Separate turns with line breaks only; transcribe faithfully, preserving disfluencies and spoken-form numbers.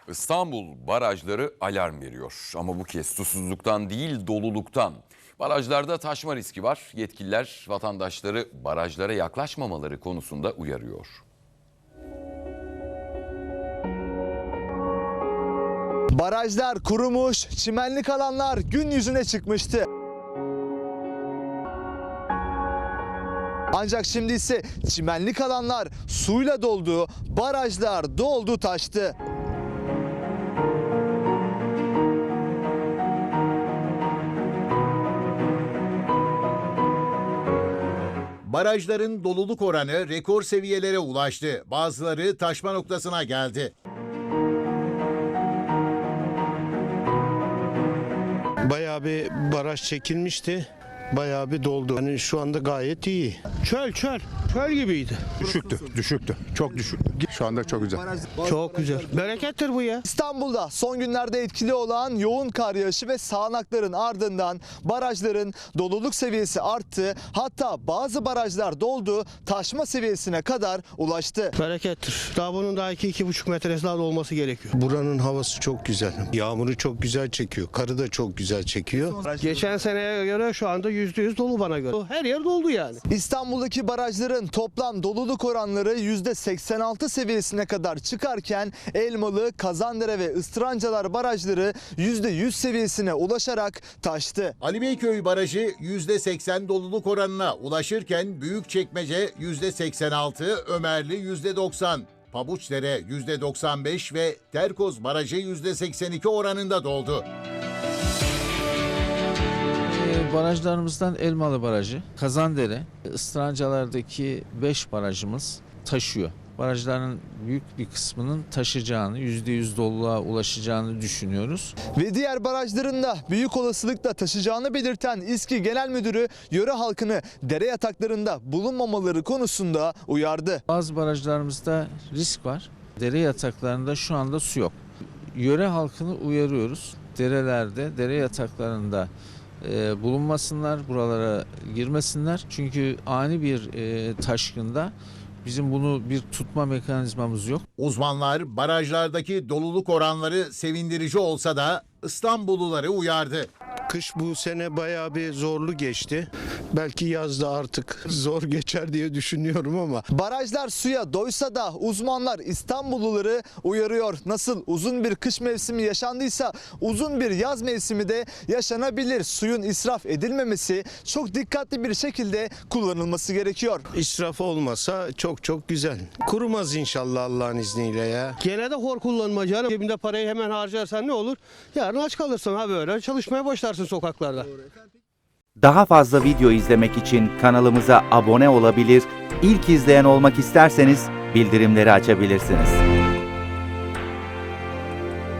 İstanbul barajları alarm veriyor ama bu kez susuzluktan değil doluluktan. Barajlarda taşma riski var. Yetkililer vatandaşları barajlara yaklaşmamaları konusunda uyarıyor.
Barajlar kurumuş, çimenlik alanlar gün yüzüne çıkmıştı. Ancak şimdi ise çimenlik alanlar suyla doldu, barajlar doldu taştı.
Barajların doluluk oranı rekor seviyelere ulaştı. Bazıları taşma noktasına geldi.
Bayağı bir baraj çekilmişti. Bayağı bir doldu. Yani şu anda gayet iyi. Çöl çöl. Çöl gibiydi.
Düşüktü, düşüktü. Çok düşüktü. Şu anda çok güzel.
Çok güzel. Berekettir bu ya.
İstanbul'da son günlerde etkili olan yoğun kar yağışı ve sağanakların ardından barajların doluluk seviyesi arttı. Hatta bazı barajlar doldu, taşma seviyesine kadar ulaştı.
Berekettir. Daha bunun daha iki iki buçuk metresi daha da olması gerekiyor. Buranın havası çok güzel. Yağmuru çok güzel çekiyor. Karı da çok güzel çekiyor. Geçen seneye göre şu anda yüzde yüz dolu bana göre. Her yer doldu yani.
İstanbul'daki barajların toplam doluluk oranları yüzde seksen altı seviyesine kadar çıkarken Elmalı, Kazandere ve Istırancalar barajları yüzde yüz seviyesine ulaşarak taştı.
Ali Beyköy Barajı yüzde seksen doluluk oranına ulaşırken Büyükçekmece yüzde seksen altı, Ömerli yüzde doksan, Pabuçdere yüzde doksan beş ve Terkoz Barajı yüzde seksen iki oranında doldu.
Barajlarımızdan Elmalı Barajı, Kazandere, Istırancalardaki beş barajımız taşıyor. Barajların büyük bir kısmının taşacağını, yüzde yüz doluluğa ulaşacağını düşünüyoruz.
Ve diğer barajların da büyük olasılıkla taşacağını belirten İSKİ Genel Müdürü yöre halkını dere yataklarında bulunmamaları konusunda uyardı.
Bazı barajlarımızda risk var. Dere yataklarında şu anda su yok. Yöre halkını uyarıyoruz. Derelerde, dere yataklarında e, bulunmasınlar, buralara girmesinler. Çünkü ani bir e, taşkında bizim bunu bir tutma mekanizmamız yok.
Uzmanlar barajlardaki doluluk oranları sevindirici olsa da İstanbulluları uyardı.
Kış bu sene bayağı bir zorlu geçti. Belki yazda artık zor geçer diye düşünüyorum ama.
Barajlar suya doysa da uzmanlar İstanbulluları uyarıyor. Nasıl uzun bir kış mevsimi yaşandıysa uzun bir yaz mevsimi de yaşanabilir. Suyun israf edilmemesi, çok dikkatli bir şekilde kullanılması gerekiyor.
İsraf olmasa çok çok güzel. Kurumaz inşallah Allah'ın izniyle ya.
Gene de hor kullanma canım. Cebinde parayı hemen harcarsan ne olur? Yarın aç kalırsın ha böyle. Çalışmaya başlarsın sokaklarda.
Daha fazla video izlemek için kanalımıza abone olabilir, ilk izleyen olmak isterseniz bildirimleri açabilirsiniz.